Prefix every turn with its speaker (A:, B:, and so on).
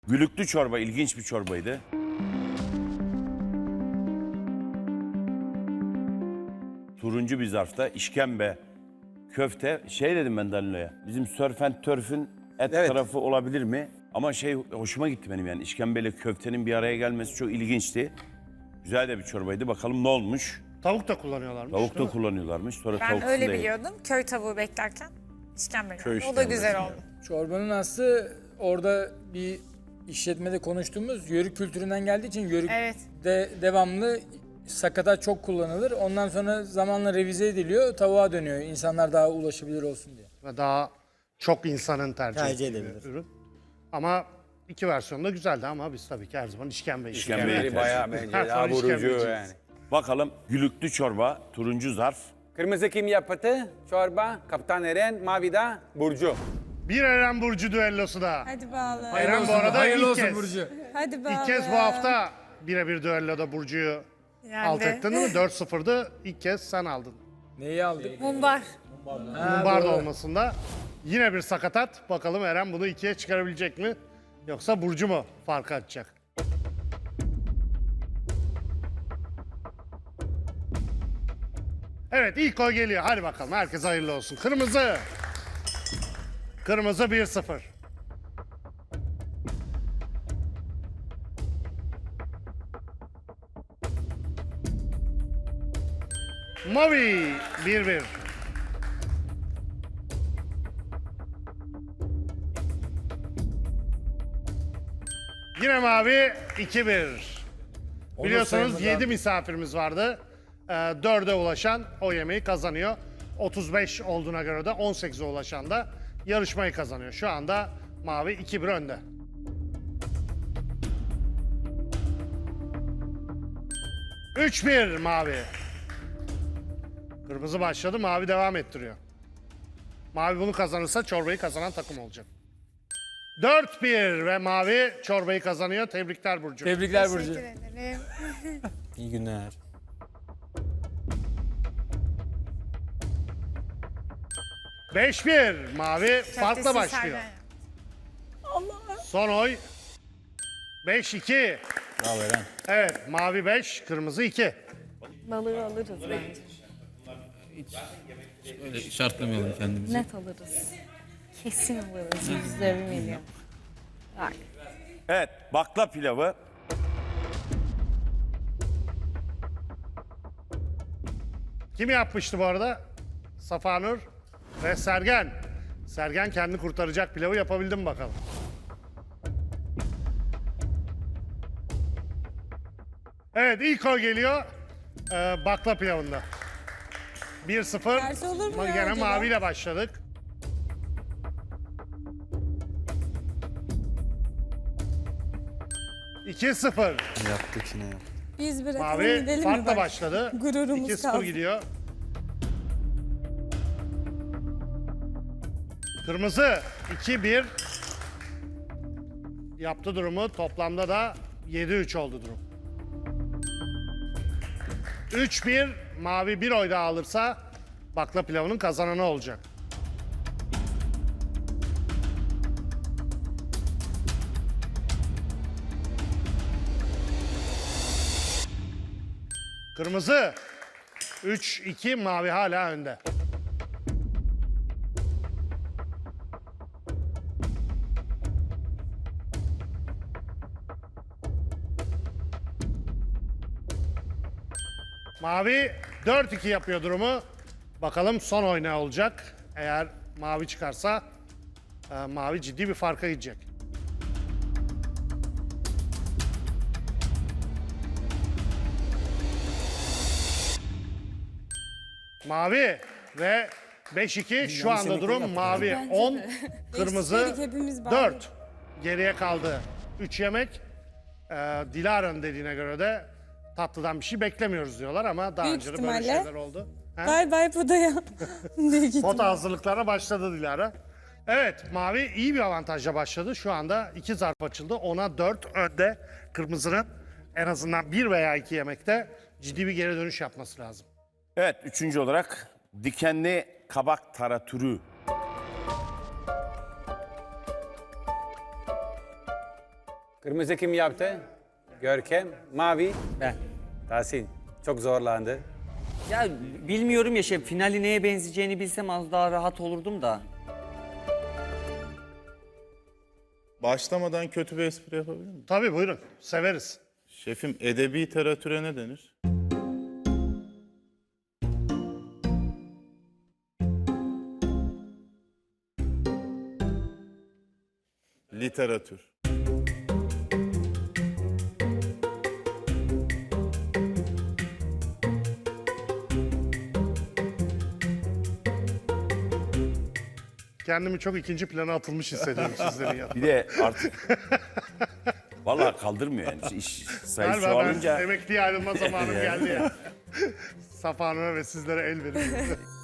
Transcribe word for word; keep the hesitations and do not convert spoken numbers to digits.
A: Gülüklü çorba ilginç bir çorbaydı. Turuncu bir zarfta işkembe, köfte. Şey dedim ben Danilo'ya. Bizim Surf and Turf'ün et
B: Evet.
A: tarafı olabilir mi? Ama şey hoşuma gitti benim yani. İşkembeyle köftenin bir araya gelmesi çok ilginçti. Güzel de bir çorbaydı. Bakalım ne olmuş?
C: Tavuk da kullanıyorlarmış.
A: Tavuk
C: değil
A: da
C: mi?
A: kullanıyorlarmış. Sonra
D: Ben
A: tavuk
D: öyle
A: değil.
D: biliyordum. Köy tavuğu beklerken işkembe
A: Köy
D: geldi. O da
A: işkembesi
D: güzel oldu.
E: Çorbanın aslı orada bir işletmede konuştuğumuz yörük kültüründen geldiği için yörükte
D: Evet.
E: devamlı sakatat çok kullanılır. Ondan sonra zamanla revize ediliyor, tavuğa dönüyor. İnsanlar daha ulaşabilir olsun diye.
C: Ve daha çok insanın tercih,
B: Tercih
C: ettiği bir
B: edilebilir.
C: ürün. Ama iki versiyonu da güzeldi ama biz tabii ki her zaman işkembe
A: İşkembe.
C: işkembe.
B: Biri bayağı bence
C: Her
B: daha
C: zaman
B: vurucu
C: işkembeciyiz.
B: yani.
A: Bakalım gülüklü çorba, turuncu zarf.
B: Kırmızı kim yaptı? Çorba, Kaptan Eren, mavi de Burcu.
C: Bir Eren Burcu düellosu da.
F: Hadi bağlı.
C: Eren bu arada
E: Hayırlı
C: ilk
E: olsun
C: kez.
E: Burcu.
F: Hadi bağlı.
C: İlk kez bu hafta birebir düelloda Burcu'yu
D: Yani
C: alt ettin değil mi? dört sıfırdı. İlk kez sen aldın.
E: Neyi aldık?
D: Mumbar.
C: Mumbar da
E: doğru.
C: olmasında. Yine bir sakatat. Bakalım Eren bunu ikiye çıkarabilecek mi? Yoksa Burcu mu farkı açacak? Evet ilk gol geliyor. Hadi bakalım herkes hayırlı olsun. Kırmızı. Kırmızı bir sıfır. Mavi bir bir. Yine mavi iki bir. Biliyorsunuz
E: sayılmadan-
C: yedi misafirimiz vardı. Ee, dörde ulaşan o yemeği kazanıyor. otuz beş olduğuna göre de on sekize ulaşan da yarışmayı kazanıyor. Şu anda mavi iki bir önde. üç bir mavi. Kırmızı başladı, mavi devam ettiriyor. Mavi bunu kazanırsa çorbayı kazanan takım olacak. dört bir ve mavi çorbayı kazanıyor. Tebrikler Burcu.
E: Tebrikler Burcu.
D: Teşekkür ederim.
B: İyi günler.
C: beş bir mavi farkla
D: Köftesi
C: başlıyor.
D: Sergen.
C: Son oy beş iki.
B: Bravo Eren.
C: Evet mavi beş, kırmızı iki.
F: Balığı alırız bence.
G: Öyle şartlamayalım kendimizi.
F: Net alırız. Kesin alırız. Yüzde bir milyon. Bak.
A: Evet bakla pilavı.
C: Kim yapmıştı bu arada? Safanur ve Sergen. Sergen kendini kurtaracak pilavı yapabildi mi bakalım? Evet ilk o geliyor. Ee, bakla pilavında. bir sıfır.
F: Tersi olur mu
C: Ama
F: ya
C: Gene
F: acaba?
C: maviyle başladık. iki sıfır.
B: Yaptık yine yaptık.
F: Biz bırakalım
C: Mavi
F: gidelim mi
C: farkla
F: bak?
C: başladı.
F: Gururumuz
C: iki sıfır
F: kaldı.
C: gidiyor. Kırmızı iki bir. Yaptı durumu. Toplamda da yedi üç oldu durum. üç bir. Mavi bir oy daha alırsa bakla pilavının kazananı olacak. Kırmızı üç iki, mavi hala önde. Mavi dört iki yapıyor durumu. Bakalım son oy ne olacak? Eğer mavi çıkarsa e, mavi ciddi bir farka gidecek. Mavi ve beş iki şu anda durum mavi
F: Bence
C: on,
F: de.
C: kırmızı
F: Eksik hepimiz bari.
C: dört. Geriye kaldı üç yemek. Ee, Dilara'nın dediğine göre de tatlıdan bir şey beklemiyoruz diyorlar ama daha
F: Büyük
C: önce de böyle
F: ihtimalle.
C: şeyler oldu. Ha?
F: Bay bay Poda'ya. Büyük ihtimal.
C: Pota hazırlıklarına başladı Dilara. Evet, mavi iyi bir avantajla başladı. Şu anda iki zarf açıldı. Ona dört önde. Kırmızının en azından bir veya iki yemekte ciddi bir geri dönüş yapması lazım.
A: Evet üçüncü olarak dikenli kabak taratürü.
B: Kırmızı kim yaptı? Görkem. Mavi.
H: Ben.
B: Tahsin. Çok zorlandı.
H: Ya bilmiyorum ya şef, finali neye benzeyeceğini bilsem az daha rahat olurdum da.
I: Başlamadan kötü bir espri yapabilir miyim?
C: Tabii buyurun. Severiz.
I: Şefim, edebi literatüre ne denir? Literatür.
C: Kendimi çok ikinci plana atılmış hissediyorum sizlerin yanında.
A: Bir de artık vallahi kaldırmıyor yani. İş sayısı
C: Galiba ben
A: çoğalınca
C: emekliye ayrılma zamanım geldi ya. Safa Hanım'a ve sizlere el veriyorum.